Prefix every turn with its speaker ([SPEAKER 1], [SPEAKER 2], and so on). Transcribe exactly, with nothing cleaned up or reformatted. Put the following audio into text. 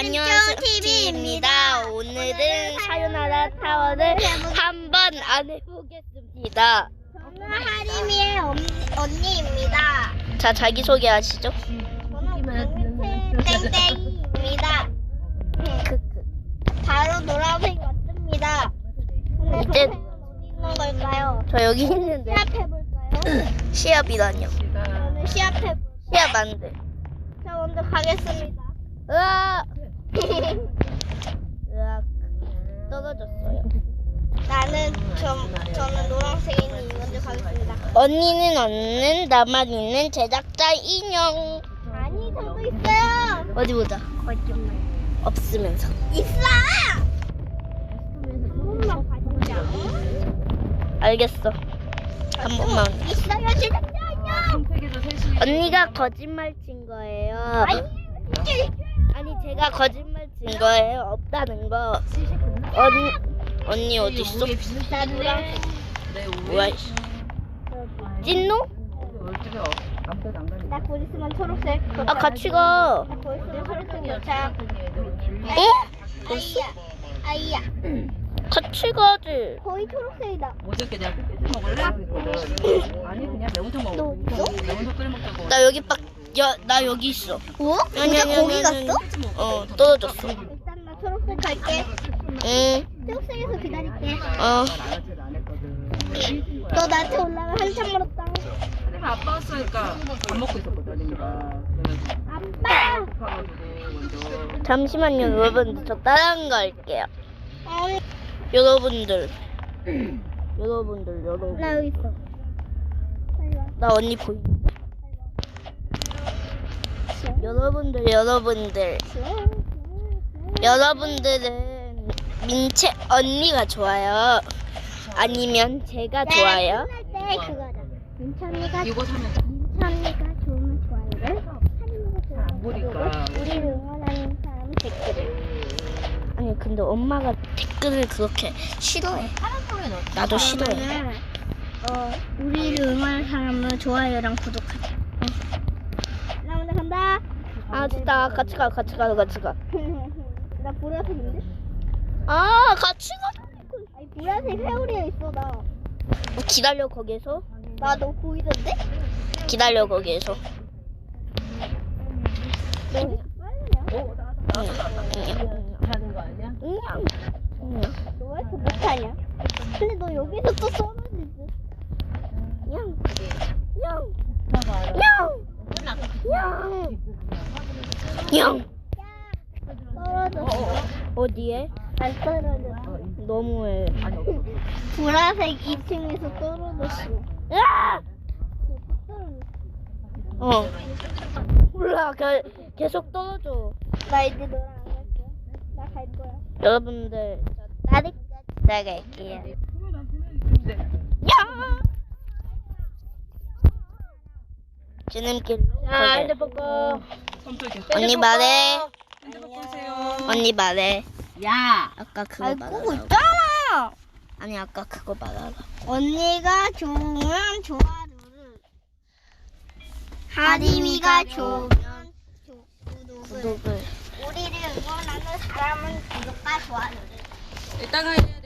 [SPEAKER 1] 안녕하세요 티비입니다. 오늘은 사요나라 타워를 한번 안 해보겠습니다.
[SPEAKER 2] 저는 하림이의 언니입니다.
[SPEAKER 1] 자, 자기소개 하시죠.
[SPEAKER 2] 저는 땡땡입니다. 바로 노란색 왔습니다. 근데
[SPEAKER 1] 이제-
[SPEAKER 2] 동생은 어디 있는 걸까요?
[SPEAKER 1] 저 여기 있는데
[SPEAKER 2] 시합해볼까요?
[SPEAKER 1] 시합이라뇨.
[SPEAKER 2] 저는 시합해볼까요?
[SPEAKER 1] 시합 안 돼.
[SPEAKER 2] 자, 먼저 가겠습니다.
[SPEAKER 1] 으악! 으악! 떨어졌어요.
[SPEAKER 2] 나는 저, 저는 노란색이니 먼저 가겠습니다.
[SPEAKER 1] 언니는 없는 나만 있는 제작자 인형.
[SPEAKER 2] 아니, 저도 있어요.
[SPEAKER 1] 어디 보자.
[SPEAKER 2] 거짓말.
[SPEAKER 1] 없으면서.
[SPEAKER 2] 있어! 한 번만 봐주자.
[SPEAKER 1] 알겠어. 한 번만.
[SPEAKER 2] 있어요, 제작자 안녕.
[SPEAKER 1] 언니가 거짓말 친 거예요.
[SPEAKER 2] 아니, 진짜
[SPEAKER 1] 아니 제가 거짓말 친 거예요. 없다는 거. 언니 언니 어디 있어?
[SPEAKER 2] 나 노란색.
[SPEAKER 1] 뭐야? 찐노?
[SPEAKER 2] 나 곧 있으면 초록색.
[SPEAKER 1] 아 같이 가.
[SPEAKER 2] 나 곧 있으면 초록색 도착.
[SPEAKER 1] 어?
[SPEAKER 2] 아이야, 아이야.
[SPEAKER 1] 같이 가지.
[SPEAKER 2] 거의 초록색이다.
[SPEAKER 3] 어저께 내가 흑돼지 먹을래? 그랬거든. 아니 그냥 매운탕
[SPEAKER 2] 너
[SPEAKER 3] 먹어.
[SPEAKER 2] 있어?
[SPEAKER 3] 매운탕 끓여 먹자고.
[SPEAKER 1] 나 여기 빡. 야, 나 여기 있어.
[SPEAKER 2] 어?
[SPEAKER 1] 아니, 아니, 아니, 아니. 어, 떨어졌어.
[SPEAKER 2] 일단 나 초록색 갈게.
[SPEAKER 1] 응.
[SPEAKER 2] 초록색에서 기다릴게.
[SPEAKER 1] 어.
[SPEAKER 3] 나는 안 했거든.
[SPEAKER 2] 너 나한테 올라가 한참 멀었다.
[SPEAKER 3] 내가 아빠 왔으니까 밥 먹고 있었거든. 내가.
[SPEAKER 2] 아빠.
[SPEAKER 3] 급해가지고 먼저.
[SPEAKER 1] 잠시만요, 여러분들. 저 다른 거 할게요.
[SPEAKER 2] 아니,
[SPEAKER 1] 여러분들. 여러분들, 여러분.
[SPEAKER 2] 나 여기 있어. 빨리 와.
[SPEAKER 1] 나 언니 보이. 여러분들, 여러분들. 여러분들은 민채 언니가 좋아요? 아니면 제가 좋아요?
[SPEAKER 2] 끝날 때 그거다. 민찬이가
[SPEAKER 3] 이거 사면
[SPEAKER 2] 민찬이가 좋으면 좋아요를, 하림이가 좋으면
[SPEAKER 3] 보니까.
[SPEAKER 2] 구독을, 우리를 응원하는 사람 댓글을.
[SPEAKER 1] 아니 근데 엄마가 댓글을 그렇게 싫어해. 나도 싫어해.
[SPEAKER 2] 그러면은, 어, 우리를 응원하는 사람은 좋아요랑 구독하자. 나 먼저 간다.
[SPEAKER 1] 아 진짜 같이 가 같이 가 같이 가.
[SPEAKER 2] 나 보라색인데?
[SPEAKER 1] 아 같이 가.
[SPEAKER 2] 아니 보라색 회오리에 있어 나.
[SPEAKER 1] 뭐 기다려 거기에서.
[SPEAKER 2] 나 너 보이던데?
[SPEAKER 1] 기다려 거기에서.
[SPEAKER 2] 너 왜 이렇게 빨리냐?
[SPEAKER 3] 하는 거 아니야?
[SPEAKER 1] 응. 응.
[SPEAKER 2] 너 왜 이렇게 못하냐? 근데 너 여기서 또 떨어지지?
[SPEAKER 1] 냥. 냥.
[SPEAKER 3] 봐봐.
[SPEAKER 1] 냥. 냥. 냥.
[SPEAKER 2] 떨어졌어.
[SPEAKER 1] 어디에?
[SPEAKER 2] 안 떨어졌어.
[SPEAKER 1] 너무해.
[SPEAKER 3] 아니 없어.
[SPEAKER 2] 보라색 이 층에서 떨어졌어.
[SPEAKER 1] 야!
[SPEAKER 2] 떨어졌어.
[SPEAKER 1] 어. 몰라. 그, 계속 떨어져.
[SPEAKER 2] 나 이제 너랑 안 갈 거야. 나 갈 거야.
[SPEAKER 1] 여러분들 저 따뜻하게 나갈게요. 야! 지름길. 자, 핸드폰 꺼.
[SPEAKER 3] 손톱이.
[SPEAKER 1] 언니 말해.
[SPEAKER 3] 핸드폰 보세요.
[SPEAKER 1] 언니 말해.
[SPEAKER 3] 야.
[SPEAKER 1] 아까 그거
[SPEAKER 2] 잘 끄고
[SPEAKER 1] 말하라.
[SPEAKER 2] 있잖아.
[SPEAKER 1] 아니 아까 그거 말하라.
[SPEAKER 2] 언니가 좋으면 좋아요를, 하림이가 좋으면 조- 구독을,
[SPEAKER 1] 구독을.
[SPEAKER 2] 우리를 응원하는 사람은 구독과 좋아요를.
[SPEAKER 3] 이따가 해.